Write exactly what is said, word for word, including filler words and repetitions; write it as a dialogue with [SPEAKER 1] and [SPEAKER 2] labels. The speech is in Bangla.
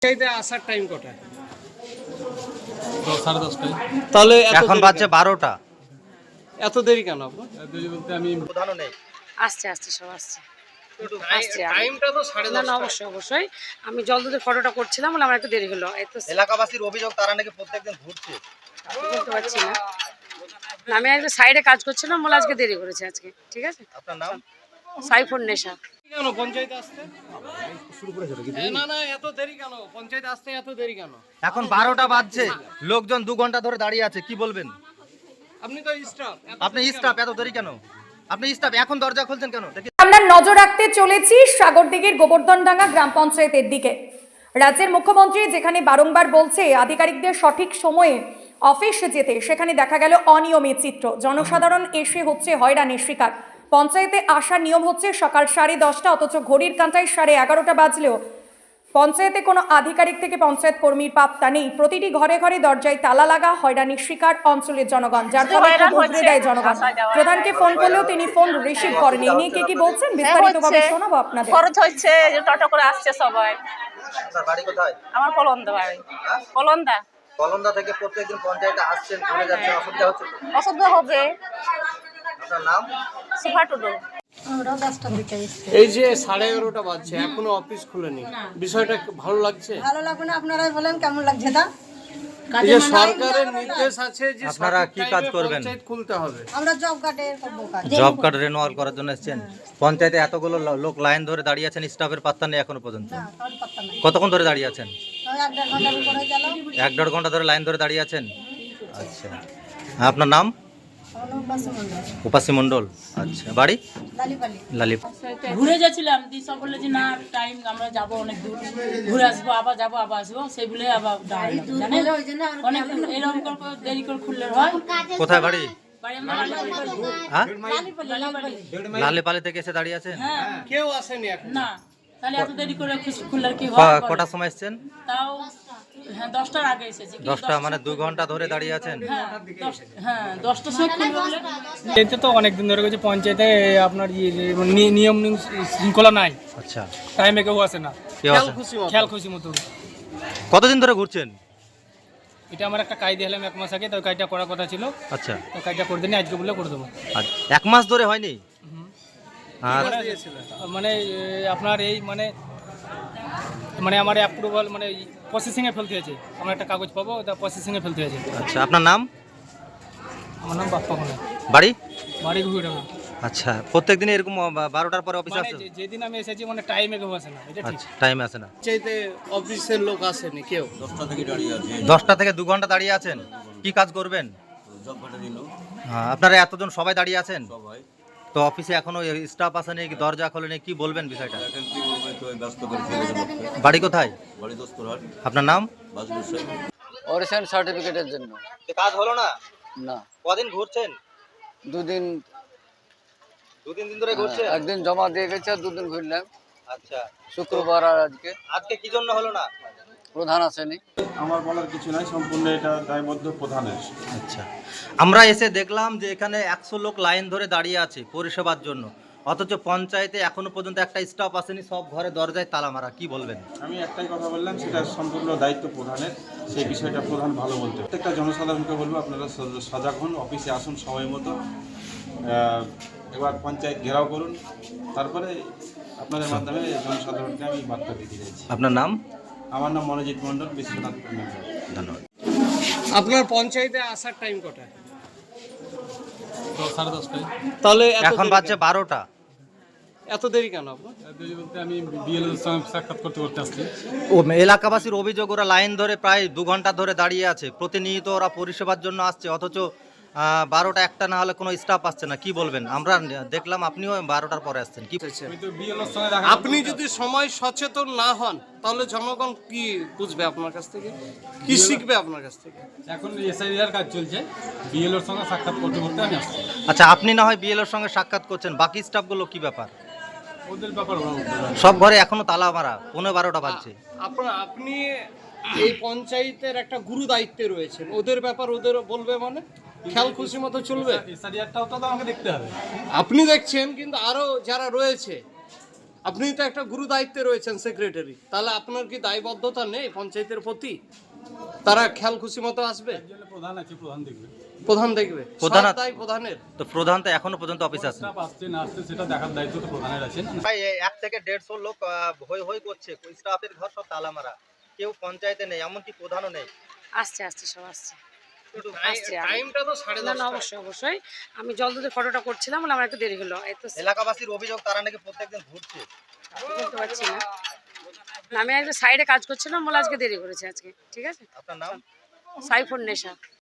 [SPEAKER 1] চাইতে আসার টাইম কটা?
[SPEAKER 2] সাড়ে দশটায়।
[SPEAKER 1] তাহলে
[SPEAKER 3] এখন বাজছে বারোটা।
[SPEAKER 1] এত দেরি কেন আপনার?
[SPEAKER 2] দেরি বলতে আমি
[SPEAKER 3] প্রধানও নেই।
[SPEAKER 4] আসছে আসছে সব আসছে আসছে
[SPEAKER 1] টাইমটা তো সাড়ে
[SPEAKER 4] না না
[SPEAKER 1] দশটা।
[SPEAKER 4] অবশ্যই অবশ্যই আমি জল দুধের ফটোটা করছিলাম বলে আমার একটু দেরি হলো। এই তো
[SPEAKER 3] এলাকাবাসীর অভিযোগ তারা নাকি প্রত্যেকদিন ঘুরছে।
[SPEAKER 4] বলতে পারছি না না, আমি একটু সাইডে কাজ করছিলাম বলে আজকে দেরি করেছে আজকে। ঠিক আছে,
[SPEAKER 3] আপনার নাম?
[SPEAKER 4] সাইফুন নেশা।
[SPEAKER 1] কেন পঞ্চায়েতে আসতে? এ, না না এত দেরি কেন? পঞ্চায়েতে আসতে এত দেরি কেন?
[SPEAKER 3] এখন বারোটা বাজছে, লোকজন দু ঘন্টা ধরে দাঁড়িয়ে আছে, কি বলবেন?
[SPEAKER 1] আপনি তো স্টাফ।
[SPEAKER 3] আপনি স্টাফ, এত দেরি কেন? আপনি স্টাফ, এখন দরজা খুলছেন কেন?
[SPEAKER 5] আমরা নজর রাখতে চলেছি সাগরদিঘির গোবর্ধনডাঙ্গা গ্রাম পঞ্চায়েতের দিকে। রাজ্যের মুখ্যমন্ত্রী যেখানে বারংবার বলছে আধিকারিকদের সঠিক সময়ে অফিস যেতে, সেখানে দেখা গেল অনিয়মের চিত্র। জনসাধারণ এসে হচ্ছে হয়রানির শিকার। পঞ্চায়েতে আসার নিয়ম হচ্ছে সকাল সাড়ে দশটা, অথচ ঘড়ির কাঁটায় সাড়ে এগারোটা বাজলেও পঞ্চায়েতে কোনো আধিকারিক থেকে পঞ্চায়েত কর্মীর পাত্তা নেই। প্রতিটি ঘরে ঘরে দরজায় তালা লাগা, হয়রানির শিকার অঞ্চলের জনগণ, যার ফলে উগরে দেয় জনগণ। প্রধানকে ফোন করলেও তিনি ফোন রিসিভ করেন। এই নিয়ে কে কি বলছেন বিস্তারিতভাবে শোনাবো আপনাদের।
[SPEAKER 6] খরচ হচ্ছে যে টোটো করে আসছে সবাই।
[SPEAKER 3] আপনার বাড়ি কোথায়?
[SPEAKER 6] আমার কলন্দা বাড়ি। কলন্দা
[SPEAKER 3] কলন্দা থেকে প্রত্যেকদিন পঞ্চায়েতে আসছেন, ঘুরে যাচ্ছেন, অসুবিধা হচ্ছে তো?
[SPEAKER 6] অসুবিধা হবে।
[SPEAKER 3] আপনার নাম?
[SPEAKER 6] সুফা টুডু।
[SPEAKER 1] এই যে সাড়ে এগারোটা বাজছে, এখনো অফিস খুলেনি, বিষয়টা ভালো লাগছে?
[SPEAKER 7] ভালো লাগবে না? আপনারাই বলেন কেমন লাগছে। তা
[SPEAKER 1] এই যে সরকারের নির্দেশ আছে যে
[SPEAKER 3] আপনারা কি কাজ করবেন?
[SPEAKER 1] পঞ্চায়েত খুলতে হবে।
[SPEAKER 7] আমরা জব কার্ডে করবো কাজ।
[SPEAKER 3] জব কার্ড রেনুয়াল করার জন্য এসেছেন। পঞ্চায়েতে এতগুলো লো- লোক লাইন ধরে দাঁড়িয়ে আছেন, স্টাফের পাত্তা নেই এখনো পর্যন্ত।
[SPEAKER 7] না, কারণ পাত্তা নাই।
[SPEAKER 3] কতক্ষণ ধরে দাঁড়িয়ে আছেন?
[SPEAKER 7] তাও এক দেড় ঘন্টার উপরে গেল।
[SPEAKER 3] এক দেড় ঘন্টা ধরে লাইন ধরে দাঁড়িয়ে আছেন। আচ্ছা, আপনার নাম?
[SPEAKER 7] অনুপাস মন্ডল,
[SPEAKER 3] উপাসী মণ্ডল। আচ্ছা, বাড়ি?
[SPEAKER 7] লালিপালি।
[SPEAKER 3] লালিপ।
[SPEAKER 8] ঘুরে যাচ্ছিলাম দিয়ে সব বললো যে না টাইম আমরা যাবো অনেক দূর, ঘুরে আসবো, আবার যাবো আবার আসবো, সেই বলে আবার দাঁড়ালাম। জানেন অনেক এরকম করে দেরি করে খুললে হয়।
[SPEAKER 3] কোথায় বাড়ি?
[SPEAKER 8] বাড়ি আমরা লালিপালি।
[SPEAKER 3] হ্যাঁ,
[SPEAKER 8] লালিপালি।
[SPEAKER 3] লালিপালি থেকে এসে দাঁড়িয়ে আছেন।
[SPEAKER 8] হ্যাঁ
[SPEAKER 1] কেউ আসেনি এখন?
[SPEAKER 8] না, তাহলে এত দেরি করে খুললে কি হয়?
[SPEAKER 3] ক- কটার সময় এসেছেন?
[SPEAKER 8] তাও হ্যাঁ দশটার আগে এসেছি। কিন্তু
[SPEAKER 3] দশটা, মানে দু ঘন্টা ধরে দাঁড়িয়ে আছেন।
[SPEAKER 8] হ্যাঁ দশ- হ্যাঁ দশটার সময় খুলবে বলে।
[SPEAKER 2] এতে তো অনেক দিন ধরে গেছে পঞ্চায়েতে আপনার ইয়ে- নি- নিয়ম নি- শৃঙ্খলা নাই,
[SPEAKER 3] আচ্ছা,
[SPEAKER 2] টাইমে কেউ আসে না,
[SPEAKER 3] কেউ
[SPEAKER 1] খেয়াল
[SPEAKER 3] আছে?
[SPEAKER 1] খুশি মতো।
[SPEAKER 2] খেয়াল খুশি মতো।
[SPEAKER 3] কতদিন ধরে ঘুরছেন?
[SPEAKER 2] এটা আমার একটা কাজ দিলাম এক মাস আগে, তো ওই কাজটা করার কথা ছিল,
[SPEAKER 3] আচ্ছা,
[SPEAKER 2] তো কাজটা করে দিন আজকে বলে করে দেবো।
[SPEAKER 3] আর এক মাস ধরে হয়নি? আর
[SPEAKER 2] মানে এ, আপনার এই মানে মানে আমার অ্যাপ্রুভাল মানে প্রসেসিংয়ে ফেলতে হয়েছে, আমার একটা কাগজ পাবো, ওটা প্রসেসিংয়ে ফেলতে হয়েছে।
[SPEAKER 3] আচ্ছা, আপনার নাম?
[SPEAKER 2] আমার নাম বাপ্পা কোনা,
[SPEAKER 3] বাড়ি?
[SPEAKER 2] বাড়ি ঘুরে। আচ্ছা,
[SPEAKER 3] প্রত্যেক দিন এরকম বা- বারোটার পরে অফিসে
[SPEAKER 2] মানে
[SPEAKER 3] আসে?
[SPEAKER 2] যে- যেদিন আমি এসেছি মানে টাইমে কেউ আসে না, এটা ঠিক।
[SPEAKER 3] আচ্ছা, টাইমে আসে না।
[SPEAKER 1] পঞ্চায়েতে অফিসের লোক আসেনি কেউ?
[SPEAKER 3] দশটা থেকে দু ঘন্টা দাঁড়িয়ে আছেন, কি কাজ করবেন? হ্যাঁ, আপনারা এতজন সবাই দাঁড়িয়ে আছেন, তো অফিসে এখনো স্টাফ আসেনি, কি দরজা খোলেনি, কি বলবেন বিষয়টা? বাড়ি কোথায়? আপনার নাম?
[SPEAKER 9] অরিজিন সার্টিফিকেটের জন্য।
[SPEAKER 3] কাজ হলো না?
[SPEAKER 9] না,
[SPEAKER 3] কদিন ঘুরছেন?
[SPEAKER 9] দুদিন
[SPEAKER 3] দু তিন দিন ধরে ঘুরছেন?
[SPEAKER 9] একদিন জমা দিয়ে গেছে আর দুদিন ঘুরলাম,
[SPEAKER 3] আচ্ছা,
[SPEAKER 9] শুক্রবার আর আজকে।
[SPEAKER 3] আজকে কি জন্য হলো না?
[SPEAKER 9] প্রধান আসেনি।
[SPEAKER 10] আমার বলার কিছু নাই, সম্পূর্ণ এটা দায়বদ্ধ প্রধানের।
[SPEAKER 3] আচ্ছা, আমরা এসে দেখলাম যে এখানে একশো লোক লাইন ধরে দাঁড়িয়ে আছে পরিষেবার জন্য, অথচ পঞ্চায়েতে এখনো পর্যন্ত একটা স্টাফ আসেনি, সব ঘরে দরজায় তালা মারা, কি বলবেন?
[SPEAKER 10] আমি একটাই কথা বললাম, সেটা সম্পূর্ণ দায়িত্ব প্রধানের, সেই বিষয়টা প্রধান ভালো বলতে। প্রত্যেকটা জনসাধারণকে বলবো আপনারা সজ- সজাগ হন, অফিসে আসুন সময় মতো, আহ, এবার পঞ্চায়েত ঘেরাও করুন, তারপরে আপনাদের মাধ্যমে জনসাধারণকে আমি বার্তা দিতে চাইছি।
[SPEAKER 3] আপনার নাম?
[SPEAKER 10] আমার নাম মনোজিৎ মণ্ডল, বিশ্বনাথ মেম্বার।
[SPEAKER 3] ধন্যবাদ।
[SPEAKER 1] আপনার পঞ্চায়েতে আসার টাইম কটা?
[SPEAKER 2] সাড়ে দশটায়।
[SPEAKER 1] তাহলে এত
[SPEAKER 3] এখন
[SPEAKER 1] দেরি
[SPEAKER 3] বাজছে
[SPEAKER 1] কেন?
[SPEAKER 3] বারোটা।
[SPEAKER 1] এত দেরি কেন আপনার?
[SPEAKER 2] দেরি বলতে আমি বিএলওর সঙ্গে সাক্ষাৎ করতে করতে আসছি।
[SPEAKER 3] ও এলাকাবাসীর অভিযোগ, ওরা লাইন ধরে প্রায় দু ঘন্টা ধরে দাঁড়িয়ে আছে, প্রতিনিয়ত ওরা পরিষেবার জন্য আসছে, অথচ আহ, বারোটা একটা না হলে কোনো স্টাফ আসছে না, কি বলবেন? আমরা দেখলাম আপনিও বারোটার পরে আসছেন, কি?
[SPEAKER 2] আমি তো বিএলওর সঙ্গে দেখা
[SPEAKER 1] আপনি যদি সময় সচেতন না হন তাহলে জনগণ কি বুঝবে আপনার কাছ থেকে, কি শিখবে আপনার কাছ থেকে?
[SPEAKER 2] এখন এসআইআর কাজ চলছে, বিএলওর সঙ্গে সাক্ষাৎ করতে করতে আমি আসছি।
[SPEAKER 3] আচ্ছা, আপনি না হয় বিএলওর সঙ্গে সাক্ষাৎ করছেন, বাকি স্টাফগুলো কি ব্যাপার?
[SPEAKER 2] ওদের ব্যাপার ওরা বলতে পারে।
[SPEAKER 3] সব ঘরে এখনো তালা মারা, পনেরো বারোটা বাজছে।
[SPEAKER 1] আপনার আপনি এই পঞ্চায়েতের একটা গুরু দায়িত্বে রয়েছেন, ওদের ব্যাপার ওদের বলবে মানে খেয়াল খুশি মতো চলবে?
[SPEAKER 2] এসআইআরটাও তো আমাকে দেখতে হবে।
[SPEAKER 1] আপনি দেখছেন, কিন্তু আরো যারা রয়েছে আপনি তো একটা গুরু দায়িত্বে রয়েছেন সেক্রেটারি, তাহলে আপনার কি দায়বদ্ধতা নেই পঞ্চায়েতের প্রতি? তারা খেয়াল খুশি মতো আসবে?
[SPEAKER 2] প্রধান আছে, প্রধান দেখবে।
[SPEAKER 1] প্রধান দেখবে,
[SPEAKER 3] প্রধান-
[SPEAKER 1] সব দায় প্রধানের।
[SPEAKER 3] তো প্রধান তো এখনো পর্যন্ত অফিস আছে।
[SPEAKER 2] আসছে না আসছে সেটা দেখার দায়িত্ব তো প্রধানের আছে।
[SPEAKER 3] প্রায় এক থেকে দেড়শো লোক আহ, হই হই করছে, স্টাফের ঘর সব তালা মারা, কেউ পঞ্চায়েতে নেই, এমনকি প্রধানও নেই।
[SPEAKER 4] আসছে আসছে সব আসছে
[SPEAKER 1] টাই-
[SPEAKER 4] আসছে।
[SPEAKER 1] টাইমটা তো সাড়ে
[SPEAKER 4] না না
[SPEAKER 1] দশটা।
[SPEAKER 4] অবশ্যই অবশ্যই, আমি জল দুধের ফটোটা করছিলাম বলে আমার একটু দেরি হলো, এই তো
[SPEAKER 3] এলাকাবাসীর অভিযোগ তারা নাকি প্রত্যেকদিন ঘুরছে।
[SPEAKER 4] বলতে পারছি না। না, আমি একটা সাইডে কাজ করছিলাম বলে আজকে দেরি করেছে আজকে, ঠিক আছে।
[SPEAKER 3] আপনার নাম?
[SPEAKER 4] সাইফুন নেশা।